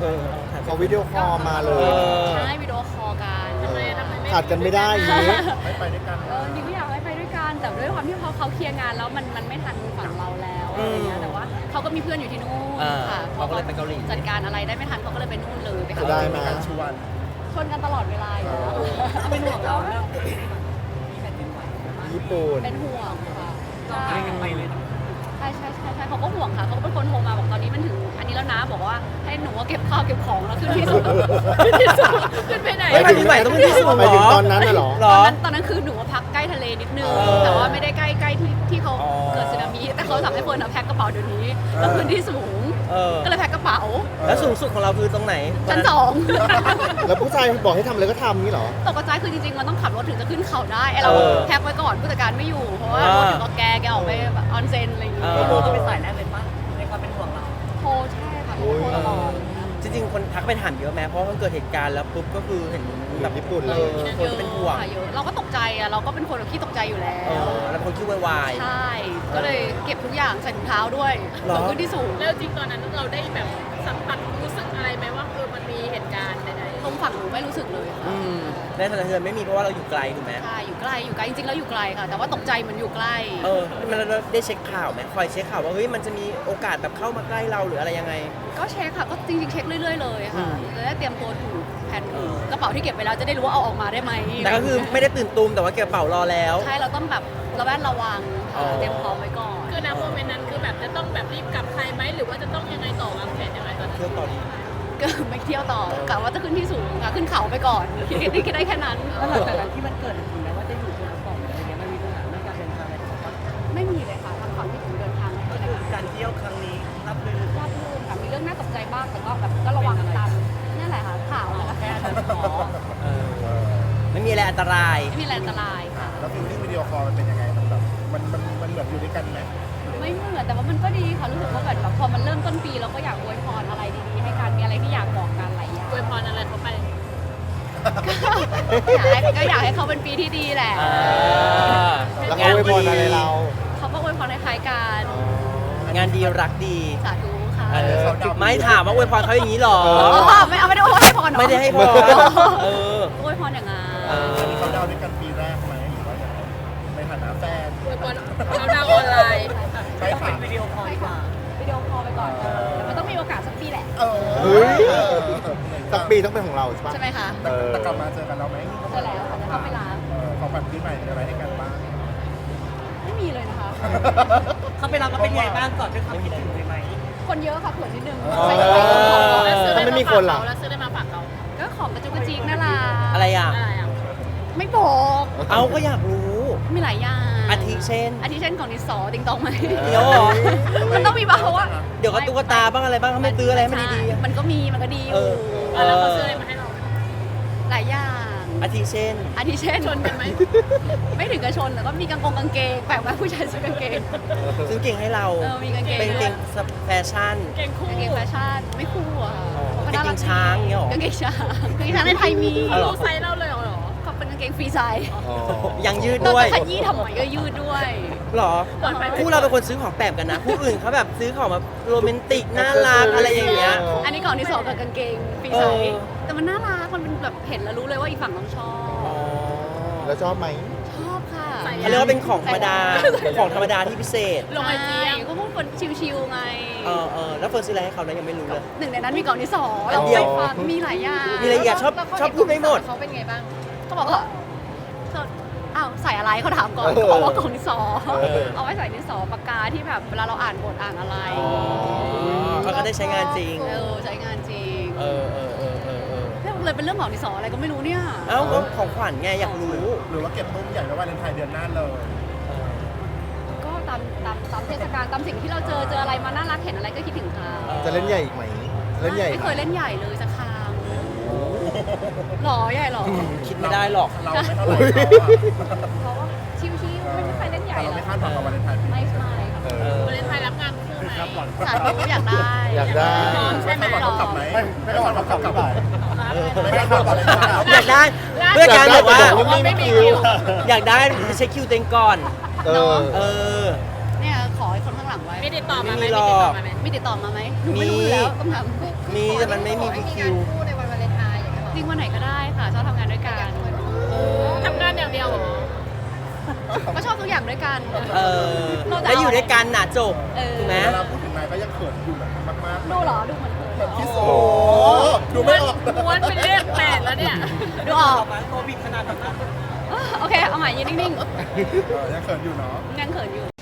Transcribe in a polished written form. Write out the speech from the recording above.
เขาวิดีโอคอลมาเลยใช่วิดีโอคอลกันทำไมขาดกันไม่ได้อย่างนี้ไม่ไปด้วยกันจริงก็อยากให้ไปด้วยกันแต่ด้วยความที่เขาเคลียร์งานแล้วมันไม่ทันฝั่งเราแล้วอะไรเงี้ยแต่ว่าเขาก็มีเพื่อนอยู่ที่นู่นค่ะเขาก็เลยไปเกาหลีจัดการอะไรได้ไม่ทันเขาก็เลยไปนู่นเลยไปจะได้ไหมการชวนชวนกันตลอดเวลาอยู่แล้วเป็นห่วงเราญี่ปุ่นเป็นห่วงค่ะใช่เขาก็ห่วงค่ะเขาก็เป็นคนโทรมาบอกตอนนี้มันถึงอันนี้แล้วนะบอกว่าให้หนูเก็บข้าวเก็บของแล้วขึ้นที่สูงขึ้นไปไหนไม่ไปที่ไหนต้องขึ้นที่สูงหมายถึงตอนนั้นน่ะเหรอตอนนั้นคือหนูพักใกล้ทะเลนิดนึงแต่ว่าไม่ได้ใกล้ที่เขาเกิดสึนามิแต่เขาสั่งให้เฟิร์นแพ็คกระเป๋าเดี๋ยวนี้แล้วขึ้นที่สูงก็เลยแพ็คกระเป๋าแล้วสูงสุดของเราคือตรงไหนชั้น 2 แล้วผู้ชายบอกให้ทำอะไรก็ทำนี่เหรอตกใจคือจริงๆมันต้องขับรถถึงจะขึ้นเขาได้ไอเราแพ็คไว้ก่อนผู้จัดการไม่อยู่เพราะว่ารถถึงก็แกออกไปแบบออนเซ็นอะไรอย่างเงี้ยก็เป็นสายแรกเลยป่ะในความเป็นห่วงเราโทรใช่ค่ะโทรตลอดจริงๆคนทักไปถามเยอะแม้เพราะมันเกิดเหตุการณ์แล้วปุ๊บก็คือเห็นแบบญี่ปุ่นเลยคนก็เป็นห่วงเยอะเราก็ตกใจอะเราก็เป็นคนขี้ตกใจอยู่แล้วแล้วคนคิดวายใช่ ก็เลยเก็บทุกอย่างใส่ถุงเท้าด้วยหรอขึ้นที่สูงแล้วจริงตอนนั้นเราได้แบบสัมผัสรู้สึกอะไรไหมว่ามันมีเหตุการณ์ใดตรงฝั่งหนูไม่รู้สึกเลยค่ะในสถานเทือนไม่มีเพราะว่าเราอยู่ไกลถูกไหมใช่อยู่ใกล้จริงๆแล้วอยู่ไกลค่ะ แต่ว่าตกใจเหมันอยู่ใกล้มันได้เช็คข่าวไหมคอยเช็คข่าวว่าเฮ้ยมันจะมีโอกาสแบบเข้ามาใกล้เราหรืออะไรยังไงก็เช็คค่ะก็จริงๆเช็คเรื่อยๆเลยค่ะจะได้เตรียมตัวถูกแผนถูกกระเป๋าที่เก็บไปแล้วจะได้รู้ว่าเอาออกมาได้ไหมแต่ก็คือไม่ได้ตื่นตูมแต่ว่าเก็บกระเป๋ารอแล้วใช่เราต้องแบบระแวดระวังค่ะเตรียมพร้อมไว้ก่อนๆคือณโมเมนต์นั้นคือแบบจะต้องแบบรีบกลับไทยไหมหรือว่าจะต้องยังไงต่อวางแผนยังไงตอนนั้นเที่ยวต่อดีก็ไม่เที่ยวต่อกะว่าจะขึ้นที่สูงค่ะขึ้นเขาไปก่อนคิดได้แค่นั้นแล้วหลังจากนั้นที่มันเกิดถึงแม้ว่าจะอยู่คนละเกาะอะไรเงี้ยมันมีปัญหาเรื่องการเดินทางอะไรถูกปะไม่มีเลยค่ะทางฝั่งที่ถึงเดินทางไม่มีเลยค่ะการเที่ยวครั้งนี้รับรื่นราบรื่นค่ะมีเรื่องน่าตกใจบ้างแต่ก็แบบก็ระวังตามนั่นแหละค่ะข่าวนะคะแค่เดินขอไม่มีอะไรอันตรายไม่มีอะไรอันตรายค่ะแล้วฟิลลิ่งวิดีโอคอลมันเป็นยังไงมันแบบมันเหมือนอยู่ด้วยกันไหมไม่เหมือนแต่ว่ามันก็ดีค่ะรู้สึกว่าแบบพอมันเริ่มต้นปีเราก็อยากอวยพรอะไรดีๆให้กันมีอะไรที่อยากบอกกันหลายอย่างอวยพรอะไรเขาไปก็อยากให้เขาเป็นปีที่ดีแหละแล้วเขาอวยพรอะไรเราเขาก็อวยพรคล้ายๆกันงานดีรักดีสาธุค่ะไม่ถามว่าอวยพรเขาอย่างนี้หรอไม่ได้อวยให้พรเนอะไม่ได้ให้พรอวยพรอย่างงั้นอันนี้เขาดาวด้วยกันปีแรกไหมหรือว่ายังไงในฐานะแฟนอวยพรเราดาวออนไลน์ใช่ค่ะวิดีโอคอลดีกว่าวิดีโอคอลไปก่อนแต่มันต้องมีโอกาสสักปีแหละเฮ้ย สักปีต้องเป็นของเราใช่ปะใช่ไหมคะแต่กลับมาเจอกันแล้วไหมใช่แล้วค่ะจะเข้าไปร้านของขวัญปีใหม่มีอะไรให้กันบ้างไม่มีเลยนะคะเขาไปรับก็เป็นไงบ้างก่อนด้วยความคิดถึงเลยไหมคนเยอะค่ะเผื่อนิดนึงอ๋อใส่ไปของก่อนแล้วซื้อมันไม่มีคนเหรอแล้วซื้อได้มาฝากเขาก็ของกระจุกกระจิกน่ารักอะไรอ่ะอะไรอ่ะไม่บอกเอาก็อยากรู้มีหลายอย่างอาทิเช่นอาทิเช่นของดิสอติงตองไหมเดี๋ยวเหรอมันต้องมีบ้างเพราะว่าเดี๋ยวก็ตุ๊กตาบ้างอะไรบ้างเขาไม่ซื้ออะไรให้มันดีๆมันก็มีมันก็ดีอยู่แล้วเขาซื้ออะไรมาให้เราหลายอย่างอาทิเช่นอาทิเช่นชนกันไหมไม่ถึงกระชนแต่ก็มีกางเกงแปลกไหมผู้ชายซื้อกางเกงซื้อเก่งให้เรามีกางเกงเป็นด้วเก่ยงแฟชั่นเก่งคู่กางเกงแฟชั่นไม่คู่อ่ะกางเกงช้างเงี้ยหรอกางเกงช้างกางเกงช้างในไทยมีอ๋อเหรอรู้ไซส์เราเลยเหรอเขาเป็นกางเกงฟรีไซส์อ๋อยังยืดเราด้วยจะขยี้ทำไมก็ยืดด้วยหรอก่อนไปคู่เราเป็นคนซื้อของแปลกกันนะคู่อื่นเขาแบบซื้อของแบบโรแมนติกน่ารักอะไรอย่างเงี้ยอันนี้ก่อนที่สองกับกางเกงฟรีไซเออส์แต่มันน่ารักมันเป็นแบบเห็นแล้วรู้เลยว่าอีกฝั่งต้องชอบแล้วชอบไหมชอบค่ะเขาเรียกว่าเป็นของธรรมดา ของธรรมดาที่พิเศษลงไอจีใช่ยังก็พวกคนชิวๆไงแล้วเฟิร์นซื้ออะไรให้เขานะยังไม่รู้เลยหนึ่งในนั้นมีกล่องที่สองอันเดียวไปฟังมีหลายอย่างมีหลายอย่างชอบแล้วเขาชอบพูดไม่หมดเขาเป็นไงบ้างเขาบอกว่าอ้าวใส่อะไรเขาถามก่อนเขาบอกว่ากล่องที่สองเอาไว้ใส่ดินสอปากกาที่แบบเวลาเราอ่านบทอ่านอะไรเขาก็ได้ใช้งานจริงใช้งานจริงเออเลยเป็นเรื่องของดินสออะไรก็ไม่รู้เนี่ยเอ้าก็ของขวัญไงอยากรู้หรือว่าเก็บตุ้มใหญ่ไว้วาเลนไทน์เดือนหน้าเลยก็ตามเทศกาลตามสิ่งที่เราเจออะไรมาน่ารักเห็นอะไรก็คิดถึงเขาจะเล่นใหญ่อีกไหม เล่นใหญ่ไม่เคยเล่นใหญ่เลยสักครั้งหรอใหญ่หรอคิดไม่ได้หรอกเราไม่เท่าไหร่เพราะว่าชิวๆไม่มีใครเล่นใหญ่เราหรอไม่คาดหวังกับวาเลนไทน์ปีไม่นี้ใช่ค่ะวาเลนไทน์รับงานคู่ไหมสาธุอยากได้อยากได้ไม่คาดหวังเขากลับไหมไม่คาดหวังเขากลับไหมไม่คาดหวังวาเลนไทน์อยากได้เพื่อการแบบว่าไม่มีคิวอยากได้เช็คคิวเต็งก่อนเออเออเนี่ยขอให้คนข้างหลังไว้มีติดต่อมาไหมไม่มีหรอกมีติดต่อมาไหมหนูไม่รู้อยู่แล้วต้องถามมีแต่มันไม่มีคิวคู่ในวันวาเลนไทน์อย่างเงี้ยหรอจริงวันไหนก็ได้ค่ะชอบทำงานด้วยกันทำงานอย่างเดียวเหรอก็ชอบทุกอย่างด้วยกันเออแล้วอยู่ด้วยกันน่ะจบเออถูกไหมเวลาพูดถึงนายก็ยังเขินอยู่แบบมากๆดูเหรอดูเหมือนเธอแบบที่สุดดูไม่ออกม้วนเป็นเลข8แล้วเนี่ยดูออกโควิดขนาดนั้นโอเคเอาใหม่ยืนนิ่งยังเขินอยู่เนาะๆยังเขินอยู่